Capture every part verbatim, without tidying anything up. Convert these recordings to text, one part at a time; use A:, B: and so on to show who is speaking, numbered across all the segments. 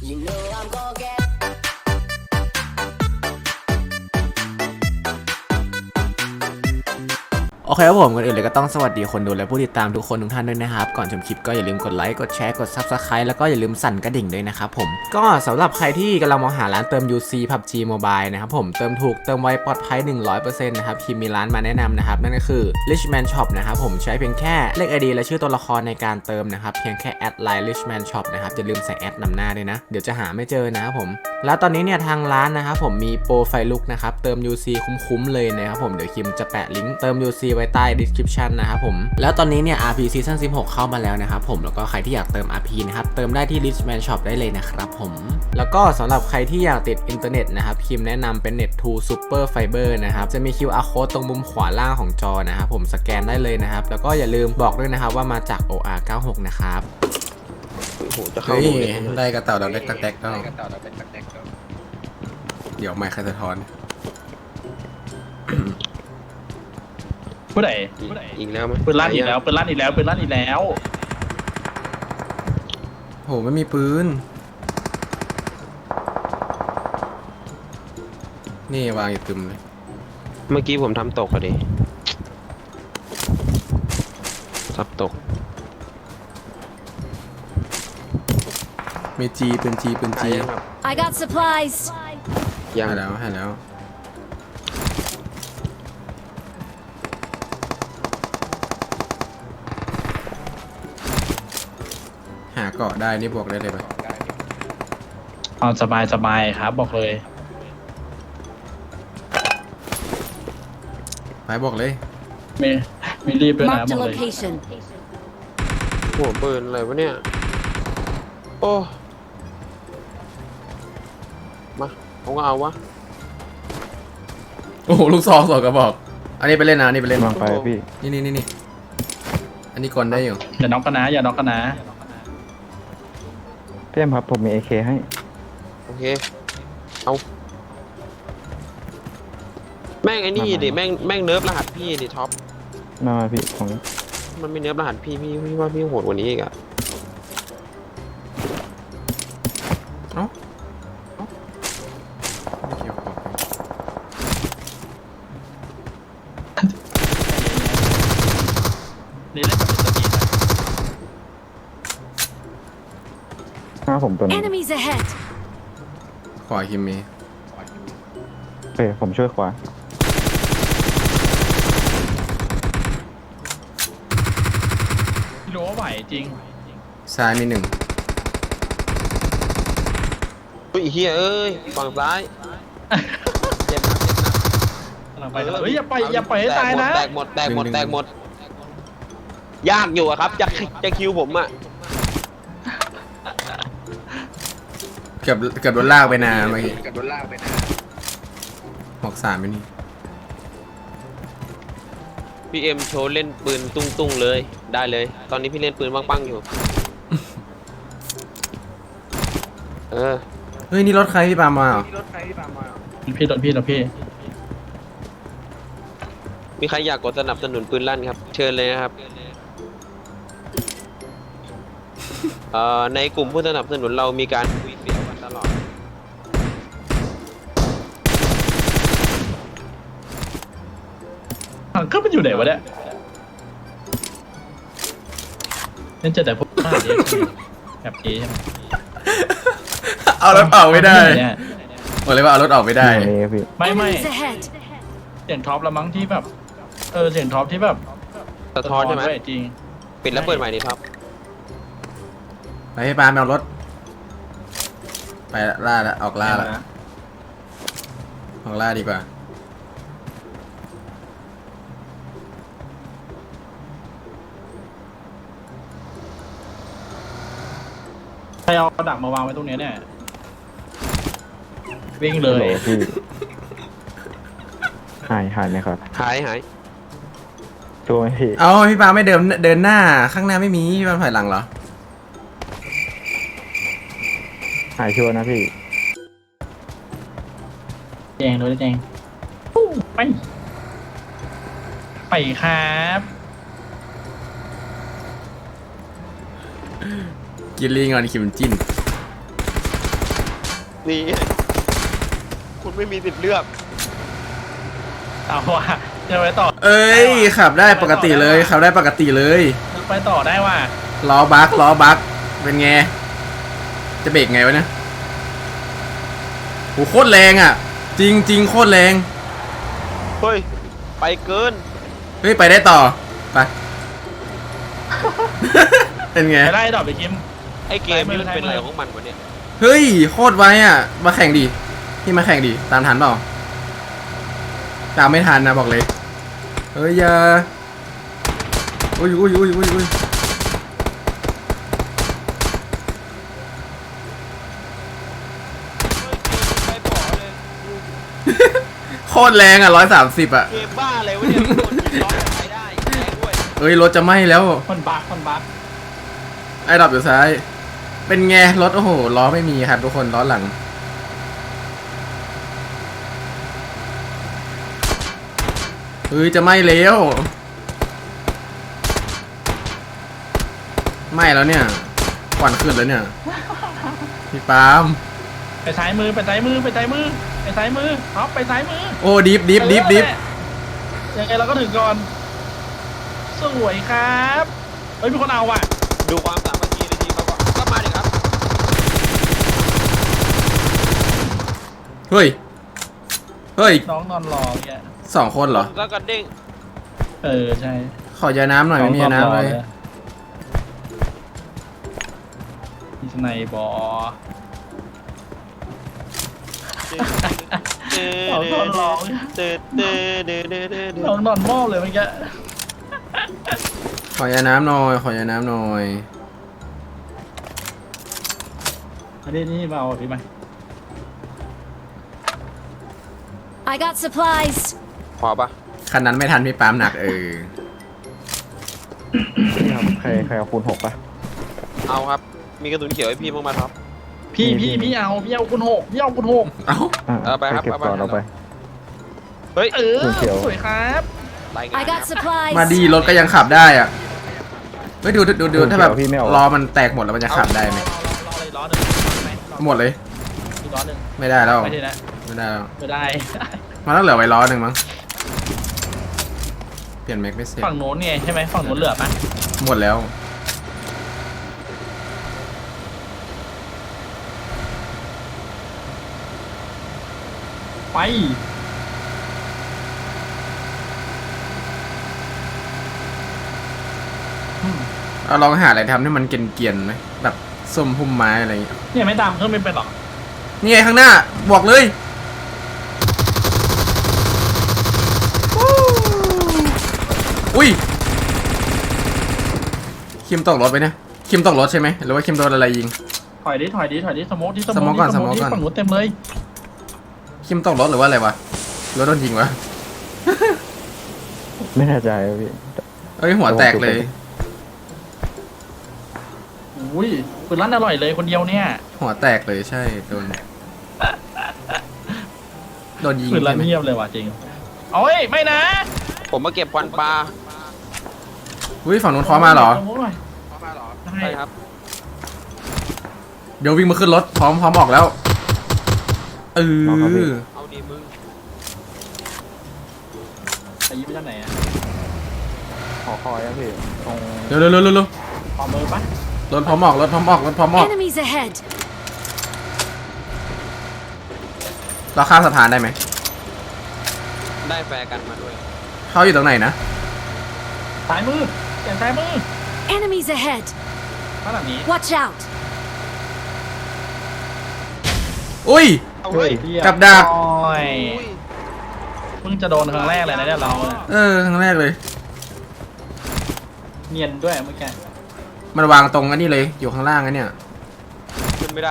A: You know I'm gonna get
B: โอเคครับผมก่อนอื่นเลยก็ต้องสวัสดีคนดูและผู้ติดตามทุกคนทุกท่านด้วยนะครับก่อนชมคลิปก็อย่าลืมกดไลค์กดแชร์กด ซับสไครบ์ แล้วก็อย่าลืมสั่นกระดิ่งด้วยนะครับผมก็สำหรับใครที่กำลังมองหาร้านเติม ยู ซี พับ จี Mobile นะครับผมเติมถูกเติมไวปลอดภัย หนึ่งร้อยเปอร์เซ็นต์ นะครับคิมมีร้านมาแนะนำนะครับนั่นก็คือ Richman Shop นะครับผมใช้เพียงแค่เลข ไอ ดี และชื่อตัวละครในการเติมนะครับเพียงแค่แอดไลน์ Richman Shop นะครับอย่าลืมใส่แอดนำหน้าด้วยนะเดี๋ยวจะหาไม่เจอนะครับผมแล้วตอนนี้เนี่ยทางร้านนะครับผมมีโปรไฟลุกนะครับเติม ยู ซี คุ้มๆเลยนะครับผมเดี๋ยวคิมจะแปะลิงก์เติม ยู ซี ไว้ใต้ description นะครับผมแล้วตอนนี้เนี่ย อาร์ พี Season สิบหกเข้ามาแล้วนะครับผมแล้วก็ใครที่อยากเติม อาร์ พี นะครับเติมได้ที่ Richman Shop ได้เลยนะครับผมแล้วก็สำหรับใครที่อยากติดอินเทอร์เน็ตนะครับคิมแนะนำเป็น เน็ต ทู Super Fiber นะครับจะมี คิว อาร์ Code ตรงมุมขวาล่างของจอนะครับผมสแกนได้เลยนะครับแล้วก็อย่าลืมบอกด้วยนะครับว่ามาจาก โอ อาร์ เก้าสิบหก นะครับ
C: โอ้โหจะเข้า
B: เฮ้ย
C: ดูเลย
B: ได้กระเต่าดาวเล็กกระแตกก็เดี๋ยวไม่ใครสะท้อน
D: ผู้ใด
C: อีกแล้วไหม
D: ปืนลั่นอีกแล้วปืนลั่นอีกแล้วปืนลั่นอีกแล้ว
B: โหไม่มีปืนนี่วางอยู่ตึมเลย
C: เมื่อกี้ผมทำตกอะดิทับตก
B: มีจีปืนจีปืนจี
C: ยังครับ
E: I got supplies.
C: ยัง
B: ให้แล้วให้แล้วหาเกาะได้นี่บอกได้เลยปะ
D: เอาสบายสบายครับบอกเลย
B: ไปบอกเลย
D: ไม่ไม่รีบด้วยนะ
E: Marked
D: บ
E: a
D: อกเลย
E: location.
C: หัวปืนอะไรวะเนี่ยโอ้มาผมก็เอาวะ
B: โอ้โหลูกซองสองกระบอกอันนี้ไปเล่นนะอันนี้ไปเล่น
F: วางไปพี่
B: นี่นี่นี่นี่อันนี้กลได้อยู่
D: อย่าน็อกกันนะอย่าน็อกกันนะ
F: พี่แอมครับผมมี เอ เค ให้
C: โอเคเอาแม่งไอ้นี่ดิแม่งแม่งเนิร์ฟรหัสพี่ดิท็อป
F: มามาพี่ของ
C: มันไม่เนิร์ฟรหัสพี่พี่พี่ว่าพี่โหดกว่านี้อีกอะ
B: เอ้าเอ้าไม่เกี่ยวกับ
D: นี่เล่นแบบเป็นสปีด
F: หน้าผมตัวนี้
E: Enemies ahead.
B: ขวาคิมมี
F: โอเคผมช่วยขวา
D: รู้ว่าไหวจริง
B: ซ้ายมีหนึ่ง
C: อุ้ยเฮียเอ้ยฝั่งซ้ายเจ็บหนักเจ็บหนัก
D: กำลังไปกำลังเฮ้ยอย่าไปอย่าปล่อยให้ตายนะ
C: แตกหมดแตกหมดแตกหมดยากอยู่อะครับจะจะคิวผมอะ
B: เกือบเกือบโดนลากไปนาเมื่อกี้เกือบโดนลากไปนาหกสามไม่นี่
C: พี่เอ็มโชว์เล่นปืนตุ้งตุ้งๆเลยได้เลย ตอนนี้พี่เล่นปืนปังๆอยู่ เออ
B: เฮ้ยนี่รถใครพี่ปามาเหรอ
D: พี่โดนพี่โดนพี่
C: มีใครอยากกดสนับสนุนปืนลั่นครับ เชิญเลยนะครับเอ่อในกลุ่มผู้สนับสนุนเรามีการคุยเสียวกันตลอด
D: ถังเครื่องมันอยู่ไหนวะเนี่ยนั่นเจอแต่พวกหน้าเด็กแบบนี้ใช่ไหม
B: เอารถออกไม่ได้
D: เนี่ย
B: บอกเลยว่าเอารถออกไม่ได้
F: อยู่ในพี่
D: ไม่ไม่
E: Enemies ahead.
D: เสียงท็อปละมั้งที่แบบเออเสียงท็อปที่แบบ
C: สะท้อนใช่ไหม
D: ด้วยจริง
C: ปิดแล้วเปิดใหม่ดิครับ
B: ไปพี่ปาไปเอารถ ไปล่าละออกล่าละออกล่าดีกว่า
D: ใครเอาดักมาวางไว้ตรงเนี้ยเนี่ยวิ่งเล
F: โหล
D: ย
F: พี่หายหายไหมครับ
C: หายหาย
F: ตัวไหมพี่
B: เอาพี่ปาไม่เดินเดินหน้าข้างหน้าไม่มีพี่ปาถอยหลังเหรอ
F: หายชัวร์นะพี่
D: แจงด้วยแจงปุ๊บไปไปครับ
B: กินลีงอนคิมจิ้น
C: นี่คุณไม่มีสิทธิ์เลือก
D: เอาว่ะจะไปต่อ
B: เอ้ยขับได้ปกติเลยขับได้ปกติเลย
D: ไปต่อได้ว่ะ
B: ล้อบักล้อบักเป็นไงจะเบรกไงวะเนี่ยโหโคตรแรงอ่ะ จริงจริงโคตรแรง
C: เฮ้ยไปเกิน
B: เฮ้ยไปได้ต่อไป เป็นไง
D: ไปได้ดอกไปคิม
C: ไอ้เกมนี่มันเป็นอะไรของมันวะเนี่ย
B: เฮ้ยโคตรไวอ่ะมาแข่งดิพี่มาแข่งดิตามทันเปล่าตามไม่ทันนะบอกเลยเฮ้ยอย่าอุ้ยอุ้ยอุ้ยอุ้ยอุ้ยโคตรแรงอ่ะร้อยสามสิบอ่ะ
C: เกมบ้าอะไรวะเนี่ยโดนยิงล้อไปได้แรงด้วย
B: เอ้ยรถจะไหม้แล้ว
D: คนบักคนบัก
B: ไอ้ดรอปอยู่ซ้ายเป็นไงรถโอ้โหล้อไม่มีครับทุกคนล้อหลังเฮ้ยจะไหม้แล้วไหม้แล้วเนี่ยควันขึ้นแล้วเนี่ยพี่ปาล์ม
D: ไปซ้ายมือไปซ้ายมือไปซ้ายมือไปซ้ายมือท็อปไปซ้ายมือ
B: โอ้ดิฟดิฟดิฟดิฟ
D: ยังไงเราก็ถึงก่อนสวยครับเฮ้ยมีคนเอาว่ะ
C: ดูความสามัคคีในทีมเขาก่อนก็มาดิครับ
B: เฮ้ยเฮ้ย
D: น้องนอนรอเนี่ย
B: สองคนเหรอ
C: แล้วก็เด้ง
D: เออใช่
B: ขอยาน้ำหน่อยไม่มียาน้ำเลย
D: มีสไนบอ น้องนอนร้อง
C: เดือดเดือดเดือดเดือดเดือด
D: น้องนอนมอบเลยเมื่อกี้
B: ขอยาน้ำหน่อยขอยาน้ำหน่อย
D: อันนี้นี่มาเอาพี่ไหม
A: I got supplies.
C: พอปะ
B: คันนั้นไม่ทันพี่ปาล์มหนักเออ
F: ใครใครเอาคูณหกปะ
C: เอาครับ มีกระสุนเขียวให้พี่บ้างไหมครับ
D: พี่พี่พี่เอาพี่เอาคุณหกพี่เอาคุณหก
B: เอ้า
F: อ่ะ
C: เอาไปครับ
F: เก็บ
C: เอาไป
F: ก่อนเอาไป
C: เฮ้ย
D: เออ
F: คุณเขียว
D: สวยครับ
C: รายงาน
A: I got
C: ครับ
A: supplies.
B: มาดีรถก็ยังขับได้อ่ะเฮ้ยดูดูดูดูถ้าแบบ
F: พี่ไม่เอา
B: ล้อมันแตกหมดแล้วมันจะขับได้ไหม
D: รอรอเลยล้อหนึ่งไหมรอ
B: หมดเลย
D: อีกล้อหนึ่ง
B: ไม่ได้แล้ว
D: ไม่ได้นะ
B: ไม่ได้แล้ว
D: ไม่ได้
B: มันต้องเหลือไว้ล้อหนึ่งมั้งเปลี่ยนแม็กไม่เสร็จ
D: ฝั่งโน้นไงใช่ไหมฝั่งโน้นเหลือปะ
B: หมดแล้ว
D: ไป
B: เอาลองหาอะไรทำให้มันเกรียนๆไหมแบบส้มพุ่มไม้อะไรอย่างเงี้ย
D: เนี่ยไม่ตามเครื่องไม่เป็นหรอก
B: นี่ไงข้างหน้าบอกเลยอุ้ยคิมตกรถไปเนี่ยคิมตกรถใช่ไหมหรือว่าคิมโดนอะไรยิง
D: ถอยดิถอยดิถอยดิสโมกดิ
B: สโมกก่อน
D: ดิ
B: สโมกก่อน
D: ดิฝั่งโน้นเต็มเลย
B: คิมตกรถหรือว่าอะไรวะรถโดนยิงวะ
F: ไม่แน่ใจอะพี่
B: เอ้ยหัวแตกเลย
D: อุ้ยปืนลั่นอร่อยเลยคนเดียวเนี่ย
B: หัวแตกเลยใช่โดนโดนยิง
D: ปืนลั่น
B: ใช่ไหม
D: เงียบเลยว่ะจริงโอ้ยไม่นะ
C: ผมมาเก็บควันปลา
B: อุ้ยฝั่งนู้นเคอมาเหรอ
D: สโมกหน่อยใช่
C: ใช่ครับ
B: เดี๋ยววิ่งมาขึ้นรถพร้อมพร้อมออกแล้วเออ
C: เอาดีมึง
D: ไปยิงไปทางไหนอะ
F: ขอคอยอะพี่ตรง
B: เร็วเร็วเร็วเร็ว
D: ขอมือปะ
B: รถพร้อมออกรถพร้อมออกรถพร้อมออก
A: Enemies ahead.
B: เราข้ามสะพานได้ไหม
C: ได้แฟร์กันมาด้วย
B: เขาอยู่ตรงไหนนะ
D: ซ้ายมือเปลี่ยนซ้ายมือ
A: Enemies ahead.
D: ข้างหลังนี้
A: Watch out.
B: อุ้ย
C: เอาเฮ้ย
D: เหี้ย
B: กับดัก
D: โอ้ยเพิ่งจะโดนครั้งแรกเลยนะเนี่ยเราเนี่ย
B: เออครั้งแรกเลย
D: เนียนด้วยเมื่อกี้
B: มันวางตรงอันนี้เลยอยู่ข้างล่างอันเนี้ย
C: ขึ้นไม่ได้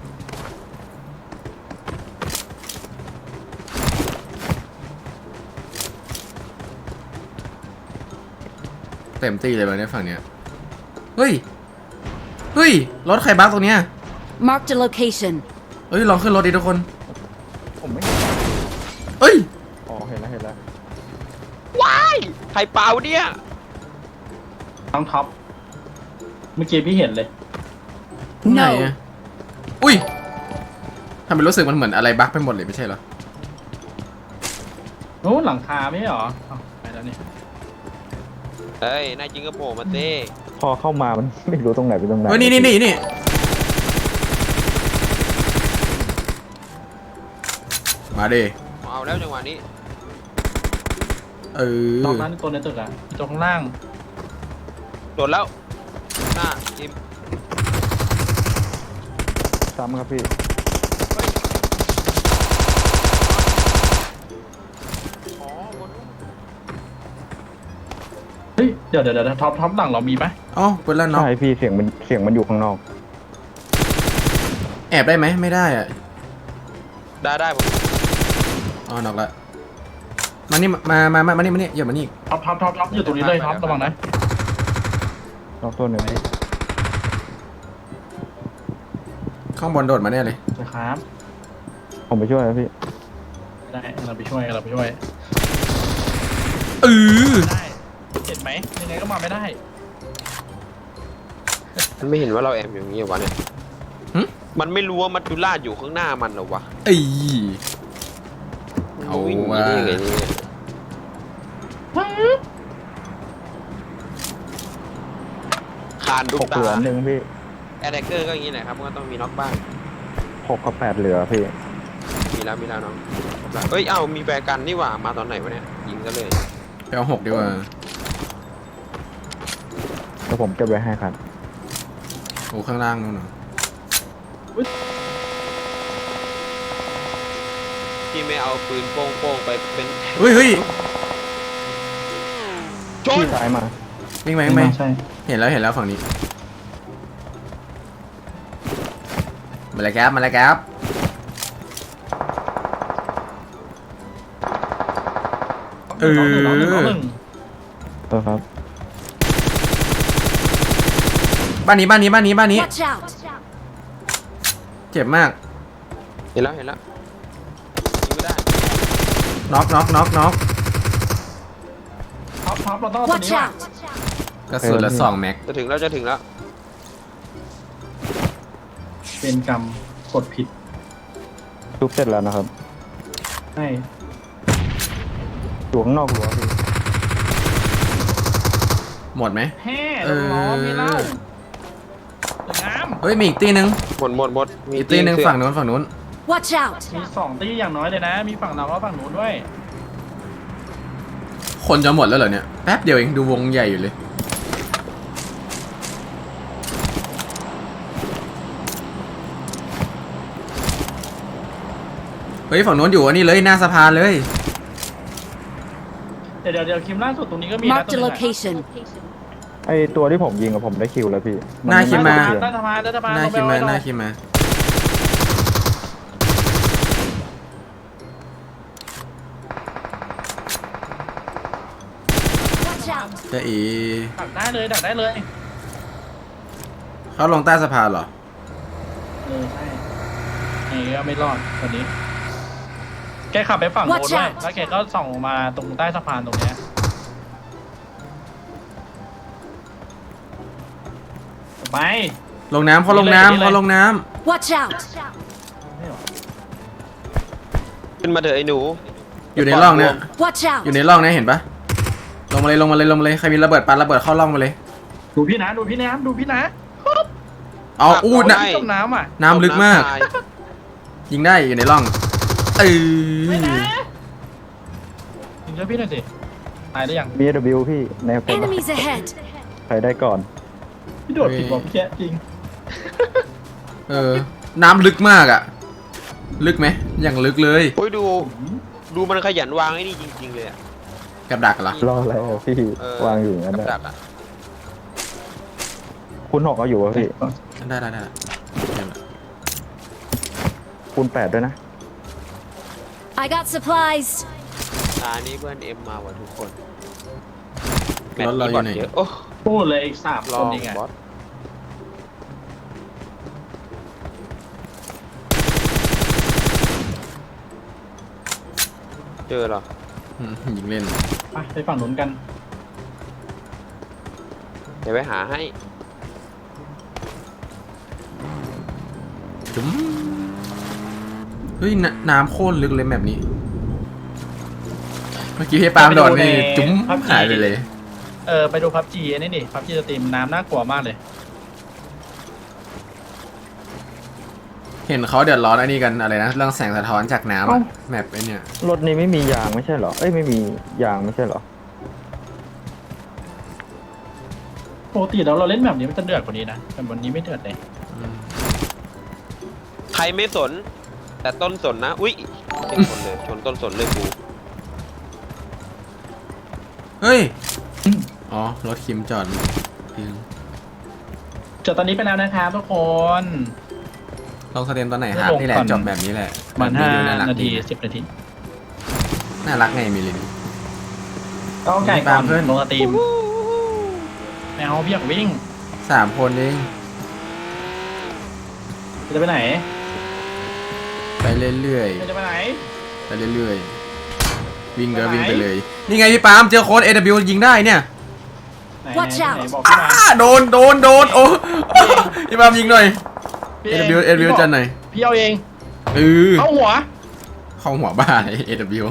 B: เต็มตีเลยวันนี้ฝั่งเนี้ยเฮ้ยเฮ้ยรถใครบักตรงเนี้ย
A: Marked a location.
B: เฮ้ยลองขึ้นรถดิทุกคน
F: ผมไม่
B: เฮ้ย
F: อ๋อเห็นแล้วเห็นแล้ว
C: ว้ายใครเปล่าวะเนี่ย
D: น้องท็อปเมื่อกี้พี่เห็นเลย
B: ไหนอะอุ้ยทำไมรู้สึกมันเหมือนอะไรบั๊กไปหมดเลยไม่ใช่เหรอ
D: โอ้หลังคาไม่ใช่เหรออ้าวไปแล้วนี่
C: เฮ้ยนายจริงก็โผล่มาเต้
F: พอเข้ามามัน ไม่รู้ตรงไหนเป็นตรงไหน
B: เฮ้ยนี่นี่นี่นี่มาดิ
C: เอาแล้วจังหวะนี้
B: เออ
D: ตรงนั้นตัวในตึกอะตรงข้างล่าง
C: โดดแล้วหน้าจิม
F: ซ้ำครับพี่
C: อ๋อบน
D: เฮ้ยเดี๋ยวเดี๋ยวเดี๋ยวท็อปท็อปหลังเรามีไหม
B: อ๋อเปิดแล้วเนาะ
F: ใช่พี่เสียงมันเสียงมันอยู่ข้างนอก
B: แอบได้ไหมไม่ได้อ่ะ
C: ได้ได้ผม
B: อ๋อนอกละมานี่มามามามานี่มานี่อย่ามานี่
D: ท็อปท็อปท็อปท็อปอยู่ตรงนี้เลยท็อประวังนะ
F: นอกตัวหนึ่งพี่
B: ข้างบนโดดมาแน่เลย
D: นะครับ
F: ผมไปช่วยนะพี่
D: ได้เราไปช่วยเราไปช่วย
B: เออ
D: ได้เห็นไหมยังไงก็มาไม่ได้
C: มันไม่เห็นว่าเราแอบอยู่อย่างนี้วะเนี่ยมันไม่รู้ว่ามัจจุราชอยู่ข้างหน้ามันเหรอวะ
B: เอ้ย เอา
C: วิ่งหนี
B: ว่ะ
C: ได้ยังไงเนี่ยคานดุ
F: ห
C: ก
F: กเหลือ
C: ตา
F: หนึ่งพี่
C: แอดแทกเกอร์ก็อย่างนี้แหละครับมันก็ต้องมีน็อกบ้าง
F: หกกับแปดเหลือพี่
C: มีแล้วมีแล้วน้องเฮ้ย เอ้า มีแบร์กันนี่หว่า มาตอนไหนวะเนี่ย ยิงกันเลย
B: ไปเอาหกดีกว่า
F: แล้วผมเก็บไว้ให้ครับ
B: โอ้ข้างล่างนู่นน่ะ
C: ที่ไม่เอาปืนโป้งๆไปเป็น
B: เฮ้ยเฮ้ย
C: ชน
F: พี่ซ้ายมา
B: วิ่งไหมวิ่งไหม
D: ใช่
B: เห็นแล้วเห็นแล้วฝั่งนี้มาเลยครับมาเลยครับ เออ
D: น้องหนึ่งน้องหนึ่งน้องหนึ่ง
F: เออครับ
B: บ้านนี้บ้านนี้บ้านนี้บ้านนี้
A: Watch out!
B: เจ็บมาก
C: เห็นแล้ว เห็นแล้วยิงไม่ได้
B: น็อกน็อกน็อกน็อก
D: ท็อปท็อปเราต้องเอาตัว
A: Watch
D: นี้ว่ะ
A: out!
B: กระสุนละสองแม็ก
C: จะถึงแล้วจะถึงแล้ว
D: เป็นกรรมกดผิด
F: ทุบเสร็จแล้วนะครับ
D: ใช่
F: อยู่ข้างนอกรั้วพี่
B: หมดไหม
D: แฮ่
B: เออ
D: ล้อมีเหล้าสวยงาม
B: เฮ้ยมีอีกตีหนึ่ง
C: หมดหมดหมด
B: อีกตีหนึ่ง
C: เสื้อ
B: ฝั่งนู้นฝั่งนู้น
A: Watch out!
D: มีสองตีอย่างน้อยเลยนะ มีฝั่งเราและฝั่งนู้นด้วย
B: คนจะหมดแล้วเหรอเนี่ยแป๊บเดียวเองดูวงใหญ่อยู่เลยเฮ้ยฝั่งนู้นอยู่อันนี้เลยหน้าสะพานเลย
D: เดี๋ยวเดี๋ยวเดี๋ยวคิมล่าสุดตรงนี้ก็มีนะ
A: Marked
D: ตัว
A: a
D: หนึงอะ
A: location.
F: ไอตัวที่ผมยิงกับผมได้คิวแล้วพี่
B: หน้าคิมมา
D: ใต้สะพานใต้สะพาน
B: หน้า
D: ลงไป
B: คิมมา
D: เอไว้
B: หน้า
D: ก่อน
B: คิมมา
A: Watch out!
B: จะอี
D: ดักได้เลยดักได้เลย
B: เขาลงใต้สะพานเหรอ
D: เออใช่ไอ้ก็ไม่รอดคนนี้ แกขับไปฝั่งโน้น
A: Watch
D: ด้วย
A: out
D: แล้วแกก็ส่องมาตรงใต้สะพานตรงเนี้ยไป
B: ลงน้ำเขาลงน้ำเขาลงน้
A: Watch out!
D: ไม่หรอ
C: ขึ้นมาเถอะไอ้หนู
B: ำอยู่ในร่องเนี่ย
A: Watch
B: อยู่
A: out!
B: ในร่องเนี่ยเห็นปะลงมาเลยลงมาเลยลงมาเลยใครมีระเบิดปาระเบิดเข้าร่องมาเลย
D: ดูพี่นะดูพี่นะดูพี่นะ
B: เอาอู้นะ
C: ใช่
D: จมน้ำอ่ะ
B: น้ำลึกมาก
C: ตาย
B: ยิงได้อยู่ในร่องเออ
D: ไม่นะยิงช่วยพี่หน่อยสิตายได้ยัง
F: บี ดับเบิลยู พี่ในคน
A: Enemies ahead!
F: ใครได้ก่อน
D: พี่โดดผิดบอกพี่แค่จริง
B: เออน้ำลึกมากอ่ะ ลึกไหมอย่างลึกเลย
C: โอ้ยดู ดูมันขยันวางไอ้นี่จริง ๆ เลยอะ
B: กับดักเหรอ
F: รออะไรอะพี่
C: เออ
F: วางอยู่อย่างนั้น
C: กับ
F: นะ
C: ดักอะ
F: คุณหกเอาอยู่วะพี่
B: ได้ได้ได้ได้
F: คุณแปดด้วยนะ
A: I got supplies!
C: ตานี้เพื่อนเอ็มมาว่ะทุกคนแม
B: ร
C: ต
B: ถ
C: ช์
B: เรา
C: นี้
B: อบ
C: อยู่ ล
B: ไหน
C: เยอะโอ้
D: พูดเลยอีกสาม
C: ล
D: ค
C: อน ง
D: เองอ่ะ
C: บอสเจอเหรอ
B: อืมยิงเล่น
D: ไปไปฝั่งนู้นกัน
C: เดี๋ยวไปหาให้
B: จุ๊มเฮ้ยนน้ำโคตรลึกเลยแบบนี้ เมื่อกี้พี่ปาล์มโดดนี่จุ้มหายไปเลย
D: เออไปดูพับจีนี่ดิพับจีสตรีมน้ำน่ากลัวมากเลย
B: เห็นเขาเดือดร้อนอันนี้กันอะไรนะเรื่องแสงสะท้อนจากน้ำอะแมปไอ้เนี่ย
F: รถนี้ไม่มียางไม่ใช่เหรอ เอ้ยไม่มียางไม่ใช่เหรอ
D: ปกติแล้วเราเล่นแบบนี้มันจะเดือดกว่านี้นะแต่วันนี้ไม่เดือดเลย
C: ใครไม่สน แต่ต้นสนนะอุ้ยเต็มคนเลยชนต้นสนเลยกู
B: เฮ้ยอ๋อรถคิมจอดพิง
D: จบตอนนี้ไปแล้วนะครับทุกคน
B: ลองสเตมตอนไหนครับนี่แหละจบแบบนี้แหละ
D: ประมันห้า
B: ดูรัก
D: นาที
B: ดี
D: สิบนาที
B: น่ารักไงมิลิน
D: ก็ไก่ก่อน
B: ตามเพื่อน
D: ลงสตรีมแมวพี่อยากวิ่ง
B: สามคนเอง
D: จะไปไหน
B: ไปเรื่อย
D: จะไปไหน
B: ๆไปเรื่อยๆวิ่งก็
D: ไปไหน
B: วิ่งไปเลยนี่ไงพี่ปาล์มเจอโค้ด เอ ดับเบิลยู ยิงได้เนี่ย
D: ไหน
A: Watch
D: ไหน
A: out
D: ไหนบอกพี่มา
B: อ้าโดนโดนโดนโอ้พี่ปาล์มยิงหน่อย
D: พี่
B: เอ ดับเบิลยู เอ ดับเบิลยู จันหน่อย
D: พี่เอาเอง
B: เออ
D: เอาหัว
B: เข้าหัวบ้าเลย เอ ดับเบิลยู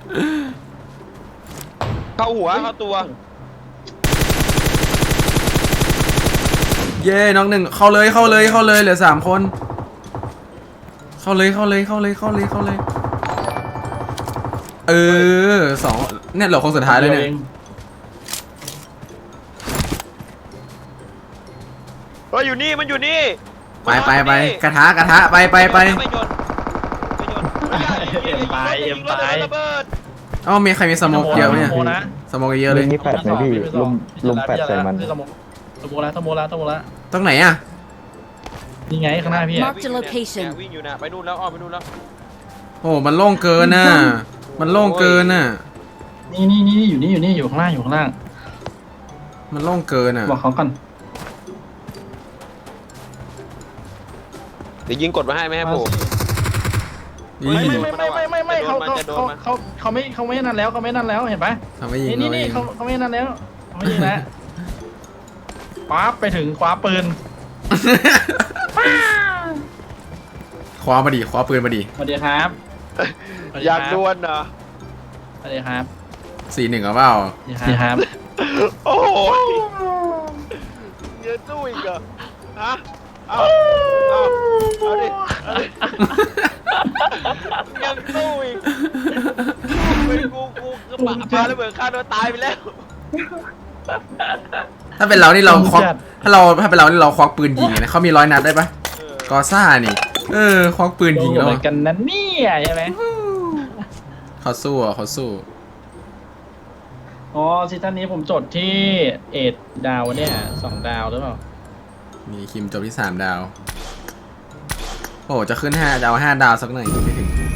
C: เข้าหัวเข้าตัว
B: เย้น้องหนึ่งเข้าเลยเข้าเลยเข้าเลยเหลือสามคน เข้าเลยเข้าเลยเข้าเลยเข้าเลยเข้าเลยเออสองเนี่ยเหลือคนสุดท้ายเลยเนี่ย
C: เฮ้ยอยู่นี่มันอยู่นี่
B: ไปไปไปกระทะกระทะไปไปไป
C: ไม่โยนไม่โยน
D: เอ็มไปเอ็มไป
C: ระเบิด
B: เอ้ามีใครมีสโมกเยอะไหมเนี่ย
D: สโมกนะ
B: สโมกเยอะเลย
F: มีแปดไหมพี่ลุมลุมแปดใส่มัน
D: สมุสมุแล้วสมุแล้วสมุแล้ว
B: ตรงไหนอ่ะ
D: นี่ไงข้างหน้าพี่อะ
A: Mark the location
C: วิ่งอยู่นะไปนู่นแล้วอ้อมไปนู่นแล้ว
B: โอ้มันโล่งเกินน่ะมันโล่งเกินน่ะ
D: นี่นี่นี่อยู่นี่อยู่นี่อยู่ข้างล่างอยู่ข้างล่าง
B: มันโล่งเกินอ่ะ
D: บอกเขาก่อน
C: เดี๋ยวยิงกดมาให้ไม่ให้โผล่
B: นี่
D: ไม่ไม่ไม่ไม่ไม่ไม่เขาเขา
C: จะโดน
D: เขา
C: มัน
D: เขาเขาไม่เขาไม่นั่นแล้วเขาไม่นั่นแล้วเห็นปะ
B: ทำให้ยิง
D: นี่นี่
B: เราเอ
D: นี่
B: ง
D: เขาเขาไม่นั่นแล้วเขาไม่ยิงแล้วป๊าบไปถึงคว้าปืน
B: คว้ามาดิคว้าปืนมาดิ
D: สวัสดีครับสวัส
C: อยาก
D: ครับ
C: ดวลเหรอ
D: สวัสดีครับ
B: สี่หนึ่งเอาเปล่า
D: สวัสดีครับ
C: โอ้โหเยอะตู้อีกเหรอฮะเอาเอาเอาดิเอาดิยังตู้อีกเป็นกูกูกระบะพาระเบิดฆ่าตัวตายไปแล้ว
B: ถ้าเป็นเรานี่เราควักถ้าเราถ้าเป็นเรานี่เราควักปืนยิงนะเขามีร้อยนัดได้ปะกอซ่านี่เออควักปืนยิงแล้ว
D: เหมือนกันนะเนี่ยใช่ไหม
B: เขาสู้อ่ะเขาสู้
D: อ๋อซีซั่นนี้ผมจดที่เอ็ดดาวเนี่ยสองดาวหรือเปล่า
B: มีคิมจบที่สามดาวโอ้จะขึ้นห้าจะเอาห้าดาวสักหน่อยไม่ถึง